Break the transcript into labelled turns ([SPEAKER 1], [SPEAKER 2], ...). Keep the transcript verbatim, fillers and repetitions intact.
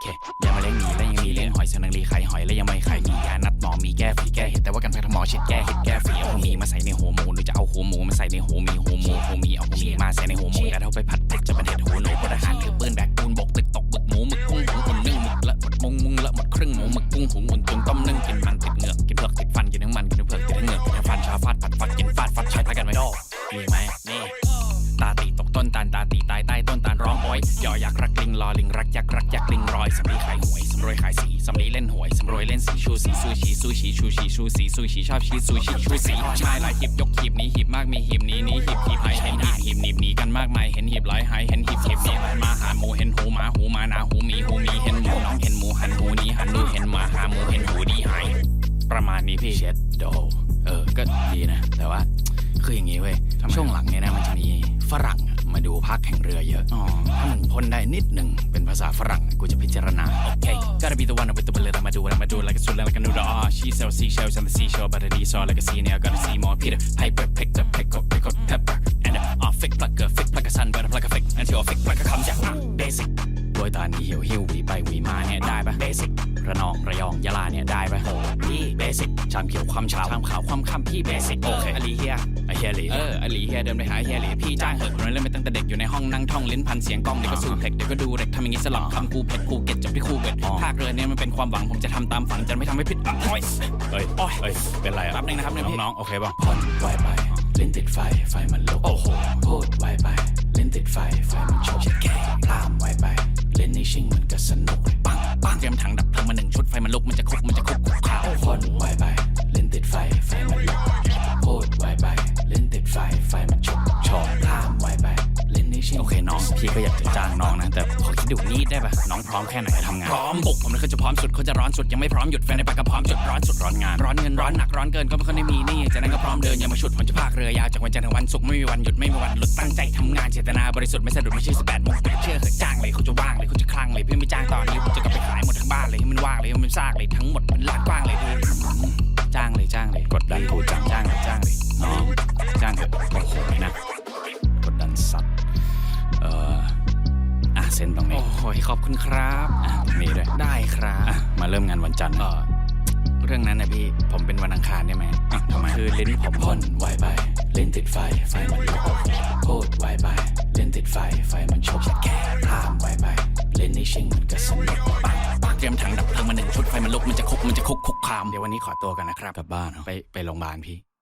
[SPEAKER 1] เคอย่ามาเล่นหนีและยังมีเล่นหอยเสนังรีไข่หอยและยังไม่ไข่มียานัดหมอมีแก้ฝีแก้เห็ดแต่ว่ากันแพทย์หมอฉีดแก้เห็ดแก้ฝีเอาหัวมีมาใส่ในหัวหมูหรือจะเอาหัวหมูมาใส่ในหัวมีหัวหมูหัวมีเอาหัวมีมาใส่ในหัวหมูแต่ถ้าไปผัดเผ็ดจะเป็นเห็ดหัวหนูพลทหารถือปืนแบกปูนบกตึกตกบึกหมูหมึกกุ้งหุงหุ่นนึ่งหมึกละหมดมุงมุงละหมดครึ่งหมูหมึกกุ้งหุงหุ่นตุนต้มนึ่งกินมันติดเหงือกกินเผือกติดฟันกินทั้งมันกินทั้งเผือกติดทั้งเหงือกกินทั้งฟันชาฟาดผัดฟัดกินฟาดฟัดใช้พากันไม่ดอกมีไหมนี่ตาตีตกต้นตาลตาตีตายใต้ต้นตาลร้องโอยยอยักษ์รักลิงรอลิงรักยักษ์รักยักษ์ลิงรอยสำลีขายหวยสำรวยขายสีสำลีเล่นหวยสำรวยเล่นสีชูสีซูชีซูชีชูชีชูสีซูชีชอบชีซูชีชูสีชายหลายหีบยกหีบนี้หีบมากมีหีบนี้นี้หีบหีบหายเห็นหีบหีบหนีบหนีกันมากมายเห็นหีบหลายหายเห็นหีบหีบหนีมาหาหมูเห็นหูหมาหูมานาหูมีหูมีเห็นหมูน้องเห็นหมูหันหูนี้หันดูเห็นหมาหาหมูเห็นหูดีหายประมาณนี้พี่เช็ดโดเออก็ดีนะแต่ว่าคืออย่างงี้เว้ยช่วงหลังเนี่ยนะมันจะมีฝรั่งมาดูภาคแข่งเรือเยอะอ๋อถ้ามึงพ่นได้นิดหนึ่งเป็นภาษาฝรั่งกูจะพิจารณาโอเค gotta be the one with the bullet I'ma do it I'ma do it like a sword like a noodle ah she sells seashells on the seashore but it is all like a sea now gotta see more Peter Piper picked up pick up pick up pepper and a fake plucker fake plucker sun but a plucker fake until a fake plucker comes out basic โดยตอนนี้หิวหิววีไปวีมาเนี่ยได้ปะ basic ระนองระยองยะลาเนี่ยได้ปะโอ้พี่ basic ชามเขียวความเช้าชามขาวความค่ำพี่ basic โอเคอลีเฮียไอเฮียหลีเอออลีเฮียเดินไปหาเฮียหลีพี่จ้างเหอะคนนั้นเล่นไปตั้งแต่เด็กอยู่ในห้องนั่งท่องลิ้นพันเสียงกล้องเดี๋ยวก็สู้เพล็กเดี๋ยวก็ดูเด็กทำอย่างนี้สลับคำกูเผ็ดกูเก็ตจบที่คู่เวทภาคเรือเนี่ยมันเป็นความหวังผมจะทำตามฝันจะไม่ทำให้ผิดหวังเฮ้ยเฮ้ยเฮ้ยเป็นไรครับนึงนะครับน้องๆโอเคป่ะผ่อนไวไปลิ้นติดไฟไฟมันลุกโอ้โหพูดไวไปลิ้นติดไฟไฟมันโชกแก่พลามไวไปเล่นในชิงมันก็สนุกปังปังเตรียมถังดับเพลิงมาหนึ่งชุดไฟมันลุกมันจะคุกมันจะคุกข่าวผ่อนไวไปลิ้นติดไฟไฟมันลุกพูดไวไปลิ้นติดไฟไฟมันโชกชอบพลามไวไปเล่นในชิงโอเคน้องพี่ก็อยากจะจ้างน้องนะแต่ขอคิดดูนี่ได้ป่ะน้องพร้อมแค่ไหนทำงานพร้อมบุกผมเลยเขาจะพร้อมสุดเขาจะร้อนสุดยังไม่พร้อมหยุดแฟนในปากก็พร้อมจุดร้อนสุดร้อนงานร้อนเงินร้อนหนักร้อนเกินก็ไม่ค่อยได้มีนี่จากนั้นก็พร้อมเดินอย่ามาฉุดผมจะพากเรือยาวจากวันจันทร์ถึงวันศุกร์ไม่มีวันหยุดไม่มีวันหลุดตั้งใจทำงานเจตนาบริสุทธิ์ไม่สะดุดไม่ใช่สิบแปดโมงเชื่อเหอะจ้างเลยเขาจะว่างเลยเขาจะคลั่งเลยพี่ไม่จ้างตอนนี้ผมจะกลับไปขายหมดทั้งบ้านเลยให้มันว่างเลยให้มันซากเลยทั้งหมดมันลาดกว้างเลยจ้างเลยจ้างเลยกดดันกูจ้างจ้างเลยจ้างเลยน้องจ้างเถอะโอ้โหนะกดดันสัตว์เอออ่ะเซ็นตรงนี้โอ้ยขอบคุณครับอ่ะมีด้วยได้ครับอ่ะมาเริ่มงานวันจันทร์เออเรื่องนั้นนะพี่ผมเป็นวันอังคารได้ไหมอ่ะทำไมคือลิ้นผมพ่นไวไปลิ้นติดไฟไฟมันลุกพูดไวไปลิ้นติดไฟไฟมันโชกแก่พลามไวไปลิ้นในชิงมันก็สนุกปังปังเตรียมถังดับเพลิงมาหนึ่งชุดไฟมันลุกมันจะคุกมันจะคุกคุกคามเดี๋ยววันนี้ขอตัวกันนะครับกลับบ้านไปไปโรงพยาบาลพี่